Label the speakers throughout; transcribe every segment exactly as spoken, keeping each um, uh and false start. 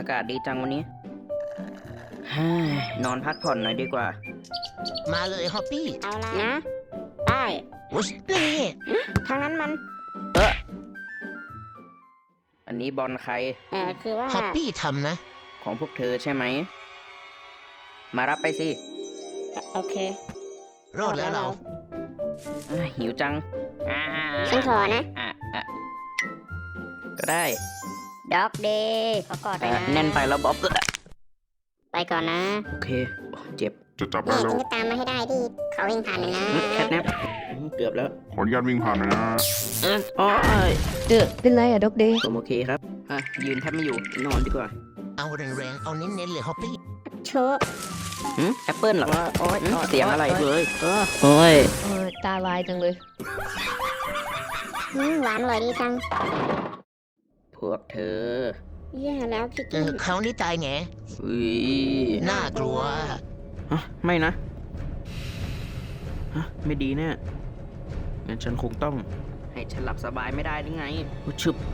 Speaker 1: ากาศดีจังวันนี้ฮ่านอนพักผ่อนหน่อยดีกว่า
Speaker 2: มาเลยฮอปปี้
Speaker 3: เอาละนะได้
Speaker 2: วุ้ยนี่
Speaker 3: ทางนั้นมัน
Speaker 1: เอออันนี้บอลใคร
Speaker 3: เออคือว่า
Speaker 2: ฮอปปี้ทำนะ
Speaker 1: ของพวกเธอใช่ไหมมารับไปสิ
Speaker 3: โอเค
Speaker 2: รอดแล้วเรา
Speaker 1: อ่ะหิวจังอ่า
Speaker 3: ฉันขอนะ
Speaker 1: อ่ะอ่ะก็ได้
Speaker 3: ด็อกเดย์ขอกอดไป
Speaker 1: อ่ะ
Speaker 3: นะ
Speaker 1: แน่นไปแล้วบ๊อบ
Speaker 3: ไปก่อนนะ
Speaker 1: โอเคโอ้เจ็บ
Speaker 4: จะจับ
Speaker 3: แม่
Speaker 4: ได้แล้
Speaker 3: ฉั
Speaker 4: วน
Speaker 3: จะตามมาให้ได้ที่เขาวิ่งผ่านนะนะ
Speaker 1: แคทแนปเกือบแล้ว
Speaker 4: ขออนุญาตวิ่งผ่านหน่อยนะ
Speaker 1: เอออ๋อเอ้ย
Speaker 5: เออเป็นไรอะด็อกเดย์
Speaker 1: ผมโอเคครับอ่ะยืนแทบไม่อยู่นอนดีกว่า
Speaker 2: เอาแรงๆเอาเน้นๆเลยฮอปปี้
Speaker 3: โชว์
Speaker 1: หืมแอปเปิลเหรอ
Speaker 5: โอ๊ย
Speaker 1: หืม
Speaker 5: โอ๊ย
Speaker 1: เสียงอะไร
Speaker 5: โอ๊ย
Speaker 1: เลยเออโอ้ย
Speaker 5: เออตาลายจังเลย
Speaker 3: อืมหวานอร่อยดีจัง
Speaker 1: พวกเธอ
Speaker 3: แย่แล้วคิด
Speaker 2: เออคราวนี้ตายแง
Speaker 1: อุ้ย
Speaker 2: น่ากลัว
Speaker 1: ฮะไม่นะฮะไม่ดีแน่งั้นฉันคงต้อง ให้ฉันหลับสบายไม่ได้หรือไงอุ๊ยชึบ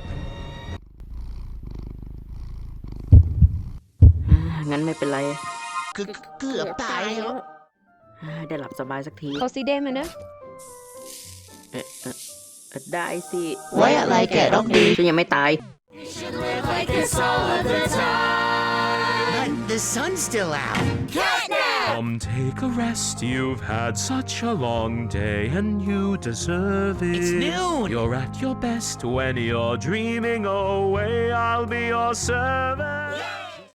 Speaker 1: อ่างั้นไม่เป็นไร
Speaker 2: คือเกือบตายแล้ว
Speaker 1: อ่าได้หลับสบายสักที
Speaker 5: เขาสีแดงมานะ
Speaker 1: เอ๊ะเอ๊ะเอ๊ะได้สิ
Speaker 2: ไว้อะไรแกด็อกดี
Speaker 1: ฉันยังไม่ตาย
Speaker 2: But the sun's still out
Speaker 6: Come take a rest, you've had such a long day and you deserve it.
Speaker 2: It's noon.
Speaker 6: You're at your best when you're dreaming away, I'll be your servant.